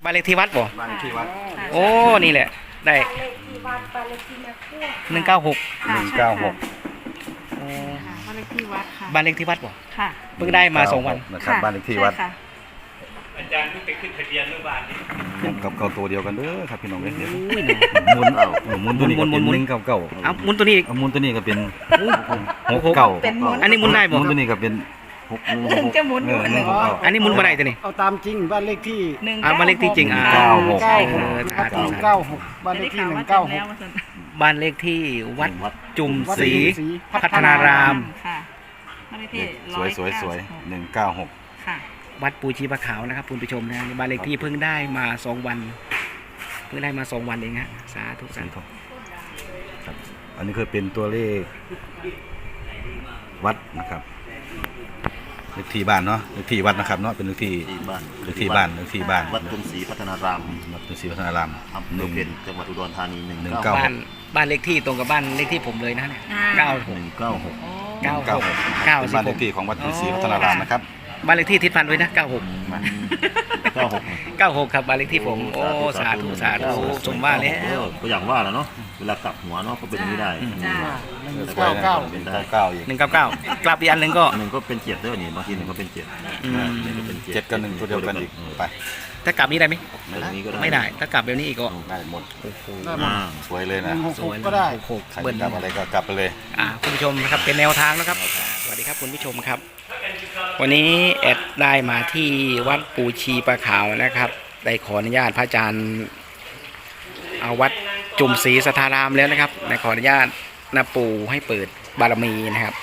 บ้านเลขที่วัดบ่บ้านเลขที่วัดโอ้นี่แหละได้บ้านเลขที่วัดบ้านเลขที่แม่ครัว 196 196 โอ้บ้านเลขที่วัดค่ะบ้านเลขที่วัดบ่ค่ะเพิ่งได้มา2 วันนะครับบ้านเลขที่วัดอาจารย์เพิ่งไปขึ้นทะเบียนเมื่อวานนี้กับเก่าตัวเดียวกันเด้อครับพี่น้องเดี๋ยวอุ้ยหมุนเอาหมุนตัวนี้ก็เป็น199 เอาหมุนตัวนี้หมุนตัวนี้ก็เป็น 69อันนี้หมุนได้บ่หมุนตัวนี้ก็เป็นจะหมุนอยู่อันนี้หมุนบ่ได้ตัวนี้เอาตามจริงบ้านเลขที่บ้านเลขที่จริง 196บ้านเลขที่196 บ้านเลขที่วัดจุมศรีพัฒนารามค่ะบ้านเลขที่สวย196 ค่ะวัดปูชีปะขาวนะครับคุณผู้ชมนะบ้านเลขที่เพิ่งได้มา2 วันเพิ่งได้มา2 วันเองฮะสาธุสาธุครับอันนี้คือเป็นตัวเลขวัดนะครับเลขที่บ้านเนาะเลขที่วัดนะครับเนาะเป็นเลขที่บ้านวัดจุมศรีพัฒนารามวัดจุมศรีพัฒนารามอำเภอเพ็ญจังหวัดอุดรธานีบ้านเลขที่ตรงกับบ้านเลขที่ผมเลยนะเนี่ย 196 บ้านเลขที่ของวัดจุมศรีพัฒนารามนะครับบ้านเลขที่ทิศพันไว้นะ96ครับบ้านเลขที่ผมโอ้สาธุสมว่าแล้วก็อย่างว่าแล้วเนาะเวลากลับหัวเนาะก็เป็นอย่างนี้ได้ 199กลับอีกอันหนึ่งก็เป็น7ด้วยนี่บางที1ก็เป็น7 7กับ1ตัวเดียวกันอีกไปถ้ากลับนี้ได้ไหมไม่ได้ถ้ากลับแบบนี้อีกก็ได้หมดสวยเลยนะสวยก็ได้ใครกลับอะไรก็กลับไปเลยคุณผู้ชมนะครับเป็นแนวทางนะครับสวัสดีครับคุณผู้ชมครับวันนี้แอดได้มาที่วัดปูชีปะขาวนะครับได้ขออนุญาตพระอาจารย์เอาวัดจุมศรีสัทธารามแล้วนะครับได้ขออนุญาตนะปู่ให้เปิดบารมีนะครับ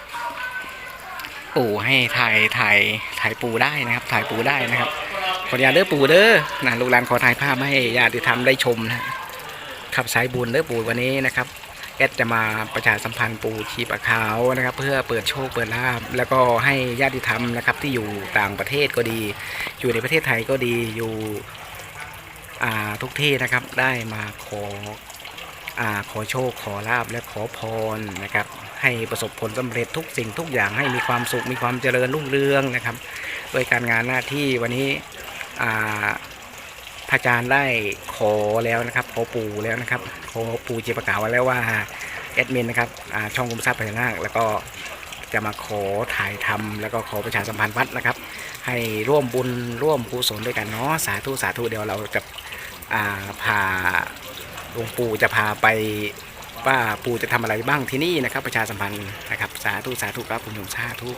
ปู่ให้ถ่ายปู่ได้นะครับถ่ายปู่ได้นะครับขออนุญาตเด้อปู่เด้อนะลูกหลานขอถ่ายภาพให้ญาติธรรมได้ชมนะครับสายบุญเด้อปู่วันนี้นะครับแอดจะมาประชาสัมพันธ์ปูชีปะขาวนะครับเพื่อเปิดโชคเปิดลาภแล้วก็ให้ญาติธรรมนะครับที่อยู่ต่างประเทศก็ดีอยู่ในประเทศไทยก็ดีอยู่ทุกที่นะครับได้มาขอโชคขอลาภและขอพรนะครับให้ประสบผลสำเร็จทุกสิ่งทุกอย่างให้มีความสุขมีความเจริญรุ่งเรืองนะครับโดยการงานหน้าที่วันนี้พระอาจารย์ได้ขอแล้วนะครับขอปู่แล้วนะครับขอปู่ชีปะขาวไว้แล้วว่าแอดมินนะครับช่องคุมทรัพย์พญานาคแล้วก็จะมาขอถ่ายทำแล้วก็ขอประชาสัมพันธ์วัดนะครับให้ร่วมบุญร่วมกุศลด้วยกันเนาะสาธุเดี๋ยวเราจะพาหลวงปู่จะพาไปว่าปู่จะทำอะไรบ้างที่นี่นะครับประชาสัมพันธ์นะครับสาธุครับคุณโยมสาธุ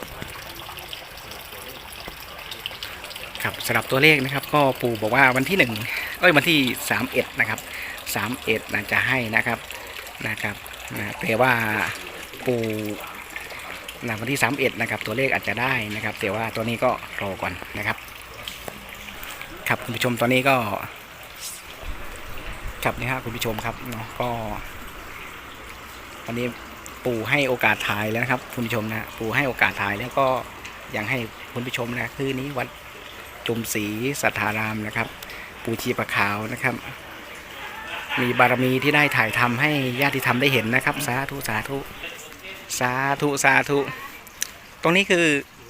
ครับสำหรับตัวเลขนะครับก็ปู่บอกว่าวันที่วันที่31นะครับ31น่าจะให้นะครับแต่ว่าปู่วันที่31นะครับตัวเลขอาจจะได้นะครับแต่ว่าตัวนี้ก็รอก่อนนะครับครับคุณผู้ชมตอนนี้ก็ครับนี่ฮะคุณผู้ชมครับเนาะก็วันนี้ปู่ให้โอกาสถ่ายแล้วนะครับคุณผู้ชมนะปู่ให้โอกาสถ่ายแล้วก็ยังให้คุณผู้ชมนะคือนี้วัดจุมศรีสัทธารามนะครับปูชีปะขาวนะครับมีบารมีที่ได้ถ่ายทำให้ญาติธรรมได้เห็นนะครับสาธุตรงนี้คือ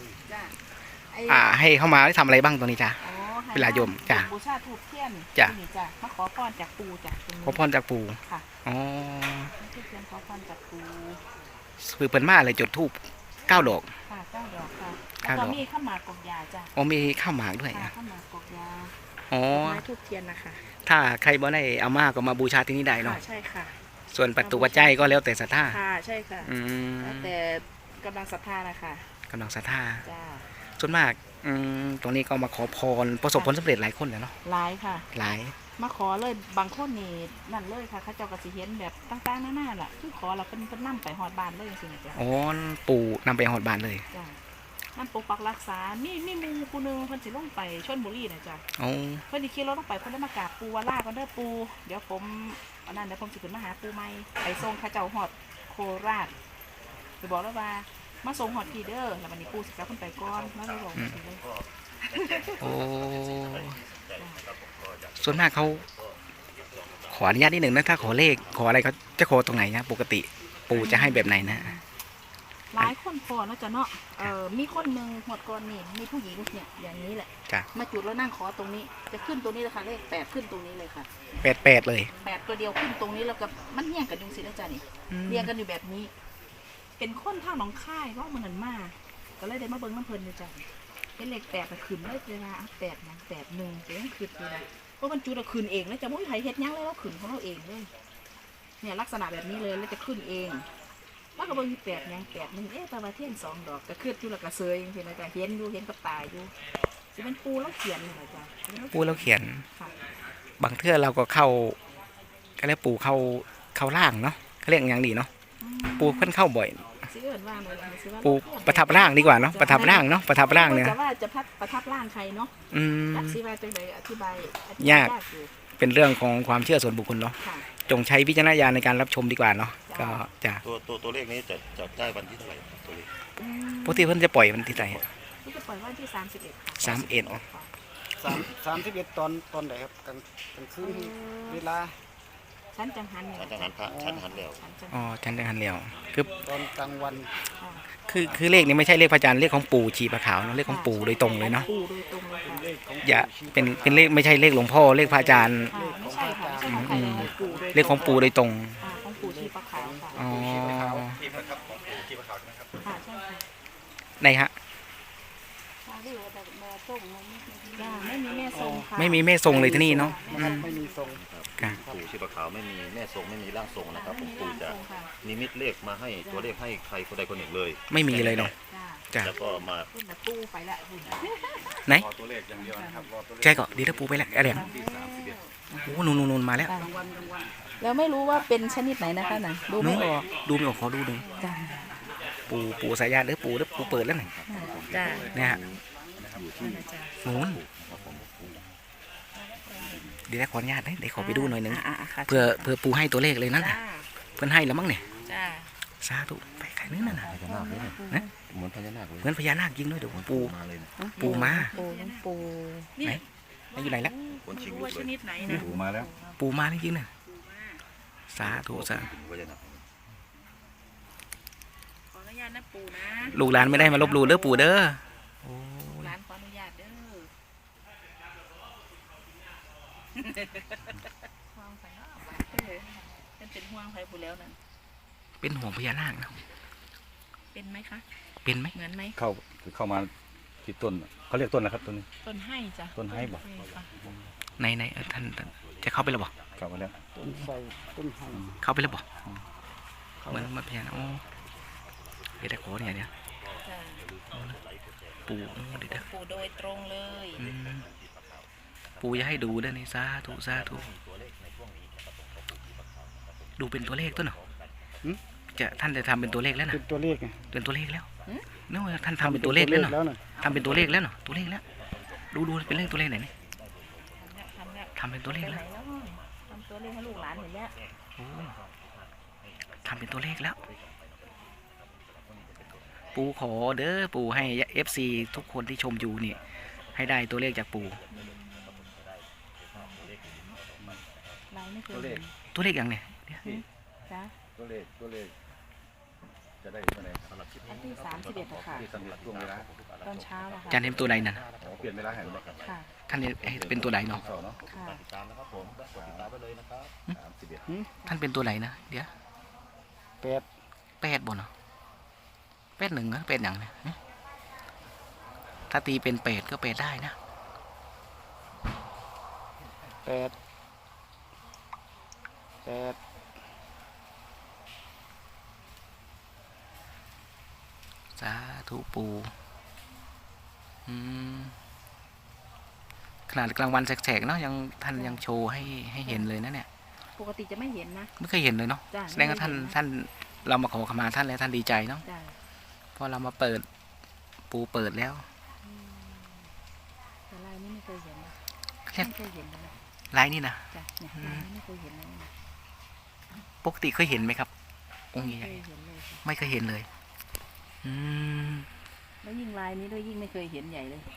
ให้เข้ามาได้ทำอะไรบ้างตรงนี้จ้ะเวลาโยมจ้ะบูชาธูปเทียนจ้ะมาขอพรจากปู่จ้ะขอพรจากปู่ค่ะอ๋อขอพรจากปู่คือเปิดมาเลยจุดธูป9 ดอกค่ะ9 ดอกค่ะแล้วก็มีข้าวหมากกอกยาจ้ะมีข้าวหมากด้วยข้าวหมากกอกยาไม้ธูปเทียนนะคะถ้าใครบ่ได้เอามาก็มาบูชาที่นี่ได้เนาะใช่ค่ะส่วนปัจจุปัจจัยก็แล้วแต่ศรัทธาค่ะใช่ค่ะแล้วแต่กำลังศรัทธานะคะกำลังศรัทธาจ้าส่วนมากตรงนี้ก็มาขอพรประสบผลสำเร็จหลายคนเลยเนาะหลายค่ะหลายมาขอเลยบางคนนี่นั่นเลยค่ะเขาเจ้าก็สิเห็นแบบต่างๆหน้าๆล่ะคือขอเราเป็นนำไปหอดบ้านเลยสิจ้ะอ๋อปู่นำไปหอดบ้านเลยจ้ะนั่นปกปักรักษามีมูกูนึงเพิ่นสิลงไปชลบุรีนะจ้ะอ๋อเพิ่นสิขี่รถลงไปเพิ่นได้มากราบปู่ว่าลาก่อนเด้อปู่เดี๋ยวผมเดี๋ยวผมสิขึ้นมาหาปู่ใหม่ไปส่งเขาเจ้าหอดโคราชไปบอกแล้วว่ามาส่งหอดพี่เด้อแล้ววันนี้ปู่สิกลับเพิ่นไปก่อนแล้วเลยบอกเลยโอ้ส่วนมากเขาขออนุญาตนิดหนึ่งนะถ้าขอเลขขออะไรเขาจะขอตรงไหนนะปกติปู่จะให้แบบไหนนะหลายคนพ่อเนาะจ้ะเนาะมีคนหนึ่งหมดก่อนนี่มีผู้หญิงเนี่ยอย่างนี้แหละจ้ะมาจุดแล้วนั่งขอตรงนี้จะขึ้นตรงนี้เลยค่ะเลขแปดขึ้นตรงนี้เลยค่ะ 88เลยแปดตัวเดียวขึ้นตรงนี้แล้วก็มันเรียงกันอยู่สินะจ๊ะนี่เรียงกันอยู่แบบนี้ เป็นคนทางหนองค่ายว่ามันนันมากก็เลยได้มาเบิ้งน้ำเพลินอยู่จ้ะเป็นเลขแปดแต่ขึ้นเลยเวลา8 1 8 1จะยังขึ้นเลยนะเพราะมันจุดเราขึ้นเองแล้วจะมุ้ยไผเฮ็ดยังเลยเราขึ้นของเราเองเลยเนี่ยลักษณะแบบนี้เลยแล้วจะขึ้นเองแล้วก็เบิ้ง8 1 เอ๊ะตะวันเทียน2 ดอกก็ขึ้นอยู่แล้วก็เซยเห็นไหมจ๊ะเห็นอยู่เห็นกับตาอยู่สิเป็นปูแล้วเขียนเลยนะจ๊ะปูแล้วเขียนค่ะบางเทื่อเราก็เข้าก็เรียกปูเข้าล่างเนาะเขาเรียกอย่างดีเนาะปูเพิ่นเข้าบ่อยสิเอิ้นว่าอะไรนะสิว่าปูประทับร่างดีกว่าเนาะประทับร่างเนาะประทับร่างเนี่ยจะว่าจะประทับร่างใครเนาะอืมอธิบายจังไดอธิบายยากอยู่เป็นเรื่องของความเชื่อส่วนบุคคลเนาะค่ะจงใช้วิจารณญาณในการรับชมดีกว่าเนาะก็จะตัวเลขนี้จะได้วันที่เท่าไหร่ตัวเลขปกติเพิ่นจะปล่อยมันที่ไหนที่จะปล่อยวันที่31ค่ะ 31 31ตอนไหนครับกลางคืนเวลาชั้นจังหันเนี่ยฉันจะหันพระฉันหันแล้วชั้นจังอ๋อฉันได้หันเดียวคือตอนกลางวันค่ะคือเลขนี้ไม่ใช่เลขพระจันทร์เลขของปู่ชีปะขาวเนาะเลขของปู่โดยตรงเลยเนาะปู่โดยตรงเลยค่ะเลขของอย่าเป็นเลขไม่ใช่เลขหลวงพ่อเลขพระอาจารย์ค่ะไม่ใช่ค่ะไม่ใช่ของใครเลยปู่โดยตรงเลขของปู่โดยตรงของปู่ชีปะขาวค่ะอ๋อค่ะใช่ค่ะไหนฮะจ้าไม่มีแม่ทรงค่ะไม่มีแม่ทรงเลยที่นี่เนาะนะครับไม่มีทรงค่ะปู่ชีพขาวไม่มีแม่ทรงไม่มีร่างทรงนะครับผมปู่จะค่ะนิมิตเลขมาให้ตัวเลขให้ใครคนใดคนหนึ่งเลยไม่มีเลยเนาะจ้าจ้ะแล้วก็มาขึ้นมาตู้ไปละคุณไหนรอตัวเลขอย่างเดียวนะครับรอตัวเลขแกก็เดี๋ยวถ้าปูไปแล้วอะไรอ่ะโอ้โหนูนมาแล้วแล้วไม่รู้ว่าเป็นชนิดไหนนะคะน่ะดูไม่ออกดูไม่ออกขอดูหน่อยจ้าปูสายยาหรือปูเปิดแล้วหน่อยจ้าเนี่ยฮะนู้นเดี๋ยวขออนุญาตนะเดี๋ยวขอไปดูหน่อยหนึงค่ะเพื่อปูให้ตัวเลขเลยนั่นจ้าน่ะเพื่อนให้แล้วมั้งเนี่ยจ้าสาธุไปใครนึกนั่นน่ะพญานาคเลยนะเหมือนพญานาคเลยเหมือนพญานาคยิงด้วยเดี๋ยวปูมาเลยนะปูมาปูไหนไหนอยู่ไหนแล้วคนชิงรู้ลูว่าก ชเลยนิดไหนนะปูมาแล้วปูมาจริงๆน่ะสาธุสาธุพญานาคขออนุญาตนะปูนะลูกหลานไม่ได้มาลบหลู่เด้อปู่เด้อโอ้ยร้านขออนุญาตเด้อห่วงไฟเป็นห่วงไฟปูแล้วนั่นเป็นห่วงพญานาคนะเป็นไหมคะเป็นไหมเหมือนไหมเข้ามาที่ต้นเขาเรียกต้นนะครับต้นนี้ต้นให้จ้ะต้นให้บ่ค่ะในท่านจะเข้าไปแล้วบ่เข้ามาแล้วต้นไทรต้นไทรเข้าไปแล้วบ่เหมือนมาพญานาคโอ้เดี๋ยวได้ขอเนี่ยจ้ะปู่เดี๋ยวปูโดยตรงเลยอืมปู่จะให้ดูเด้อนี่สาธุสาธุดูเป็นตัวเลขต้นเหรอท่านจะทำเป็นตัวเลขแล้วนะเป็นตัวเลขไงเป็นตัวเลขแล้วนึกว่าท่านทำเป็นตัวเลขแล้วเนาะน่ะทำเป็นตัวเลขแล้วเนาะตัวเลขแล้วดูเป็นเลขตัวเลขไหนนี่ทำแล้วทำเป็นตัวเลขไปไหนแล้วแล้วทำตัวเลขให้ลูกหลานเห็นแล้วโอ้ทำเป็นตัวเลขแล้ว ปู่ขอเด้อปู่ให้ FC ทุกคนที่ชมอยู่นี่ ให้ได้ตัวเลขจากปู่ลายไม่เคยเห็นตัวเลขอย่างเนี่ยจ้ะตัวเลขจะได้ตัวไหนสำหรับคลิปอันที่31อะค่ะที่สำหรับช่วงเวลาตอนเช้าอะค่ะอาจารย์เห็นตัวใดนั่นเปลี่ยนเวลาแห่งนี้ครับค่ะท่านเป็นตัวใดเนาะเสาร์เนาะค่ะติดตามนะครับผมกดติดตามไปเลยนะครับ31 ท่านเป็นตัวไหนนะเดี๋ยว 8 8บ่เนาะ8 1นะ8อย่างเนี่ยถ้าตีเป็น8ก็8ได้นะ 8 สาธุปู่ขนาดกลางวันแสกๆเนาะยังท่านยังโชว์ให้เห็นเลยนะเนี่ยปกติจะไม่เห็นนะไม่เคยเห็นเลยเนาะจ้ะแสดงว่าท่านเรามาขอขมาท่านแล้วท่านดีใจเนาะจ้ะพอเรามาเปิดปูเปิดแล้วแต่ลายนี้ไม่เคยเห็นนะเรียกไม่เคยเห็นเลยนะลายนี่นะจ้ะเนี่ยลายนี้ไม่เคยเห็นเลยนะปกติเคยเห็นไหมครับ องค์ไม่ใหเคญ่ยเห็นเลยค่ะๆไม่เคยเห็นเลย อืมแล้วยิ่งลายนี้ด้วยยิ่งไม่เคยเห็นใหญ่เลย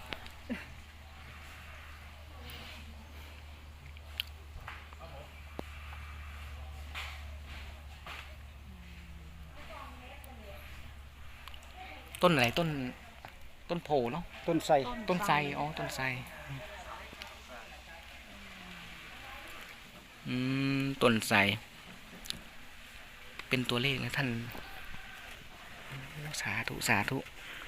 ต้นอะไรต้นโพเนาะต้นไทรต้นไทรอ๋อต้นไทรต้นไทรเป็นตัวเลขนะท่านสาธุสาธุ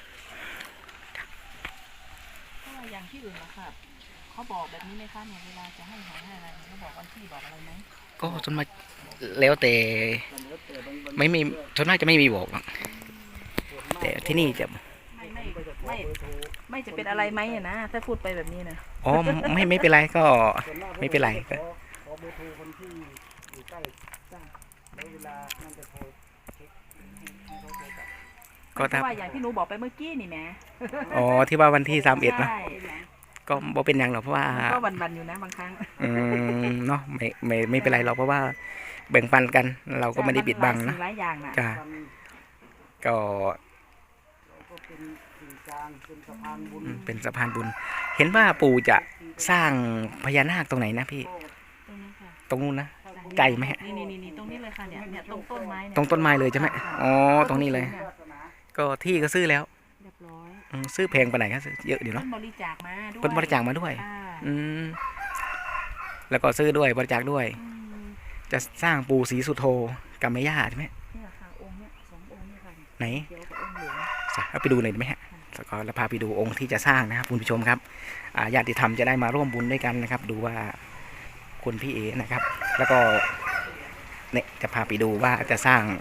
เพราะว่าอย่างที่อื่นนะคะเขาบอกแบบนี้ไหมคะเนี่ยเวลาจะให้หวยให้อะไรเขาบอกวันที่บอกอะไรไหมก็ส่วนมากแล้วแต่ไม่มีส่วนมากจะไม่มีบอกหรอกแต่ที่นี่จะไม่จะเป็นอะไรไหมอะนะถ้าพูดไปแบบนี้นะอ๋อไม่เป็นไรก็ไม่เป็นไรก็ขอเบอร์โทรคนที่อยู่ใกล้จ้าแล้วเวลานั่นจะโทรเช็คให้เขาโทรกลับก็เพถ้าราะว่าอย่างที่หนูบอกไปเมื่อกี้นี่แหมอ๋อที่ว่าวันที่31เนอะใช่ก็บ่เป็นหยังหรอกเพราะว่าก็วันๆอยู่นะบางครั้งเนาะไม่เป็นไรหรอกเพราะว่าแบ่งปันกันเราก็ไม่ได้ปิดบังนะหลายอย่างนะจ้าก็ก็เป็นสื่อกลางเป็นสะพานบุญเป็นสะพานบุญ เห็นว่าปู่จะสร้างพญานาคตรงไหนนะพี่ตรงนี้ค่ะตรงนู้นนะไกลไหมฮะนี่ตรงนี้เลยค่ะเนี่ยตรงต้นไม้เนี่ยตรงต้นไม้เลยใช่ไหมอ๋อตรงนี้เลย ก็ที่ก็ซื้อแล้วเรียบร้อยซื้อแพงไปไหนครับซื้อเยอะเดี๋ยวเพิ่เนาะนบริจาคมาด้วยเพิ่นบริจาคมาด้วยค่ะอืมแล้วก็ซื้อด้วยบริจาคด้วย จะสร้างปู่ศรีสุโธกับแม่ย่าใช่ไหมเนี่ยค่ะองค์เนี่ย2 องค์เนี่ยค่ะไหนเขียวกับองค์เหลืองเอาไปดูหน่อยได้ไหมฮะแล้วก็เราพาไปดูองค์ที่จะสร้างนะครับคุณผู้ชมครับญาติธรรมจะได้มาร่วมบุญด้วยกันนะครับ ดูว่าคุณพี่เอนะครับ แล้วก็เนี่ยจะพาไปดูว่าจะสร้าง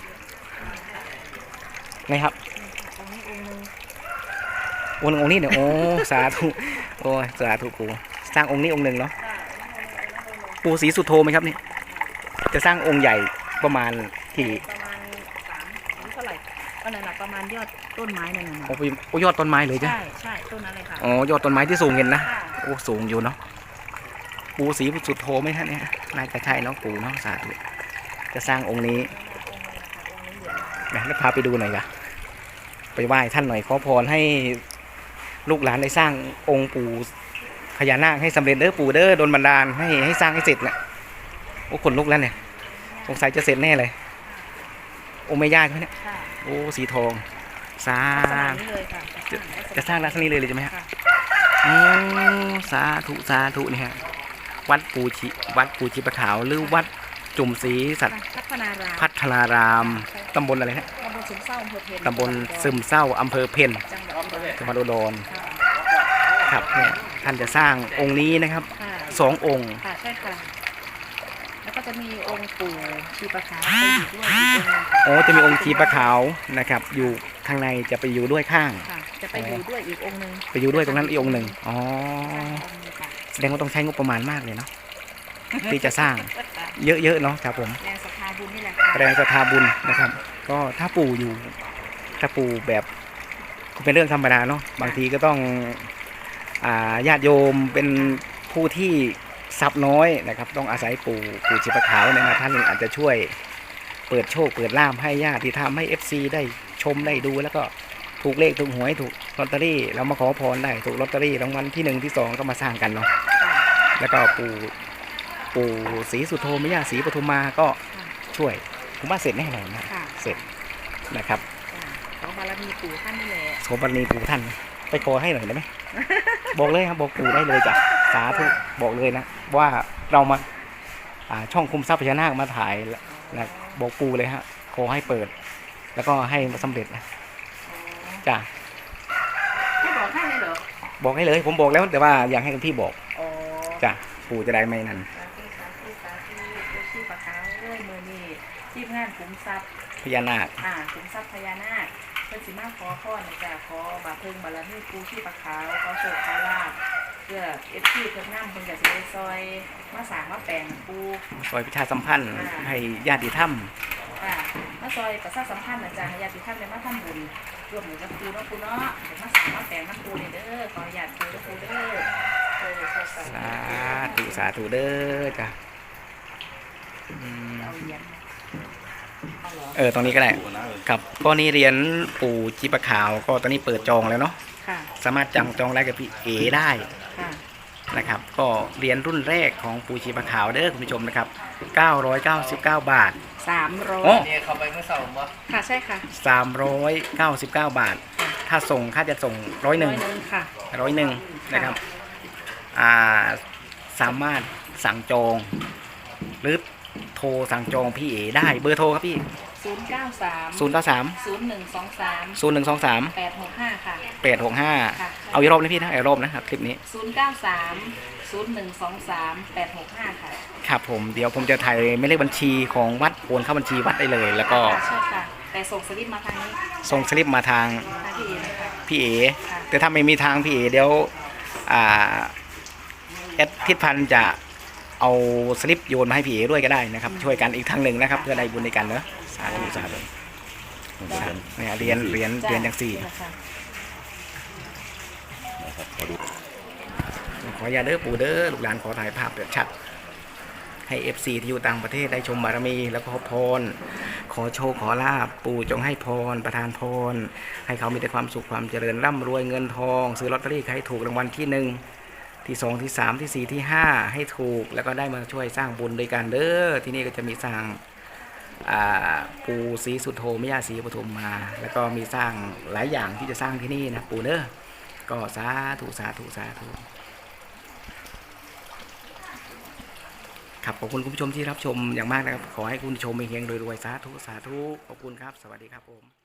ไงครับองค์นี้องค์หนึงองค์นี้เนี่ยโอ้สาธุโอ้ยสาธุปู่สร้างองค์นี้องค์หนึ่งเนาะปู่ศรีสุโธไหมครับเนี่ยจะสร้างองค์ใหญ่ประมาณกี่ประมาณ3อันนี้เท่าไหร่อันนั้นน่ะประมาณยอดต้นไม้นั่นน่ะโอ้ยอดต้นไม้เลยจ้ะใช่ต้นนั้นเลยค่ะอ๋อยอดต้นไม้ที่สูงเห็นนะค่ะโอ้สูงอยู่เนาะปู่ศรีสุโธไหมฮะเนี่ยน่าจะใช่เนาะปู่เนาะสาธุจะสร้างองค์นี้นะแล้วพาไปดูหน่อยจ้ะไปไหว้ท่านหน่อยขอพรให้ลูกหลานได้สร้างองค์ปู่พญานาคให้สำเร็จเด้อปู่เด้อโดนบันดาลให้สร้างให้เสร็จเนี่ยโอ้ขนลุกแล้วเนี่ยสงสัยจะเสร็จแน่เลยองค์แม่ย่าใช่ไหมเนี่ยค่ะโอ้สีทองสร้าลักษณะงนี้เลยค่ะจะสร้างลักษณะนี้เลยใช่ไหมฮะค่ะโอ้สาธุนี่ฮะวัดปูชีปะขาวหรือวัดจุ่มศรีสัตว์พัฒนารามพัฒนารามตำบลอะไรนะตำบลซึมเศร้าอำเภอเพนตำบลซึมเศร้าอำเภอเพนจังหวัดอุดรจังหวัดอุดรครับเนี่ยท่านจะสร้างองค์นี้นะครับค่ะ 2 องค์ค่ะใช่ค่ะ แล้วก็จะมีองค์ปู่ชีปะขาวไปอยู่ด้วยอีกองค์หนึ่งโอ้จะมีองค์ชีปะขาวนะครับ อยู่ข้างในจะไปอยู่ด้วยข้างค่ะ จะไปอยู่ด้วยอีกองค์หนึ่งไปอยู่ด้วยตรงนั้นอีกองค์หนึ่งอ๋อใช่องค์หนึ่งค่ะแสดงว่าต้องใช้งบประมาณมากเลยเนาะที่จะสร้างเยอะๆเนาะครับผมแรงศรัทธาบุญนี่แหละค่ะแรงศรัทธาบุญนะครับ ก็ถ้าปู่แบบก็เป็นเรื่องธรรมดาเนาะบางทีก็ต้องญาติโยมเป็นผู้ที่ทรัพย์น้อยนะครับ ต้องอาศัยปู่ชีปะขาวเนี่ยนะท่านอาจจะช่วยเปิดโชคเปิดลาภให้ญาติที่ทำให้ FC ได้ชมได้ดูแล้วก็ถูกเลขถูกหวยถูกลอตเตอรี่เรามาขอพรได้ถูกลอตเตอรี่รางวัลที่1ที่2ก็มาสร้างกันเนาะแล้วก็ปู่ศรีสุโธแม่ย่าศรีปทุมมาก็ช่วยผมว่าเสร็จแน่นอนนะค่ะเสร็จนะครับขอบารมีปู่ท่านนี่แหละโสมบารมีปู่ท่านไปขอให้หน่อยได้ไหม บอกเลยครับบอกปู่ได้เลยจ้ะสาธุบอกเลยนะว่าเรามาช่องคุมทรัพย์พญานาคมาถ่ายนะบอกปู่เลยฮะขอให้เปิด แล้วก็ให้สำเร็จนะจ้ะให้บอกให้เลยเหรอบอกให้เลยผมบอกแล้วแต่ว่าอยากให้คุณพี่บอกอ๋อจ้ะปู่จะได้ไม่นั่นสาธุปู่ชีปะขาวเอ้ยมือนี่ทีมงานขุมทรัพย์พญานาคขุมทรัพย์พญานาคเพิ่นสิมาขอพรนะจ๊ะขอบาเพิงบารมีปู่ชีปะขาวขอโชคขอลาภเพื่อFCเพิ่นนำเพิ่นก็สิได้ซอยมาสร้างมาแปลงปู่ซอยประชาสัมพันธ์ให้ญาติธรรมค่ะมาซอยประชาสัมพันธ์นะจ๊ะให้ญาติท่านได้มาทำบุญร่วมมือกับปู่เนาะปู่เนาะเดี๋ยวมาสร้างมาแปลงน้ำปู่นี่เด้อขออนุญาตปู่เด้อปู่เด้อสาธุเด้อจ้ะเอาเหรียญเอาเหรอตรงนี้ก็ได้ครับก็นี่เรียนปู่ชีปะขาวก็ตอนนี้เปิดจองแล้วเนาะค่ะสามารถจองได้กับพี่เอได้ค่ะนะครับก็เหรียญรุ่นแรกของปูชีปะขาวเด้อคุณผู้ชมนะครับ999 บาท 300 โอ้เนี่ยเขาไปเมื่อเสาร์มั้งค่ะใช่ค่ะ 399 บาท ถ้าส่งค่าจะส่ง101 ค่ะ 101นะครับสามารถสั่งจองหรือโทรสั่งจองพี่เอได้เบอร์โทรครับพี่ 093 093 0123 0123 865 ค่ะ 865เอาอีกรอบนะพี่นะอีกรอบนะครับคลิปนี้ 093 0123 865 ค่ะครับผมเดี๋ยวผมจะถ่ายไม่เลขบัญชีของวัดโอนเข้าบัญชีวัดได้เลย แล้วก็ใช่ค่ะ แต่ส่งสลิปมาทางนี้ส่งสลิปมาทางทางพี่เอนะคะพี่เอค่ะแต่ถ้าไม่มีทางพี่เอเดี๋ยวแอดทิศพันธ์จะเอาสลิปโยนมาให้พี่เอด้วยก็ได้นะครับ ช่วยกันอีกทางหนึ่งนะครับ เพื่อได้บุญในกันเนอะสาธุสาธุเนี่ยเรียนอย่างสี่จ้ะนะครับขอดูขออย่าตเด้อปู่เด้อลูกหลานขอถ่ายภาพแบบชัด ให้ FC ที่อยู่ต่างประเทศได้ชมบารมี แล้วก็ขอพร ขอโชคขอลาบปู่จงให้พรประทานพร ให้เขามีแต่ความสุขความเจริญร่ำรวยเงินทอง ซื้อลอตเตอรี่ให้ถูกรางวัลที่ 1 ที่ 2 ที่ 3 ที่ 4 ที่ 5 ให้ถูกแล้วก็ได้มาช่วยสร้างบุญด้วยกันเด้อที่นี่ก็จะมีสร้างปู่ศรีสุโธแม่ย่าศรีปทุมมา แล้วก็มีสร้างหลายอย่างที่จะสร้างที่นี่นะปู่เด้อก็สาธุสาธุสาธุครับขอบคุณคุณผู้ชมที่รับชมอย่างมากนะครับขอให้คุณผู้ชมเฮงๆรวยๆสาธุสาธุขอบคุณครับสวัสดีครับผม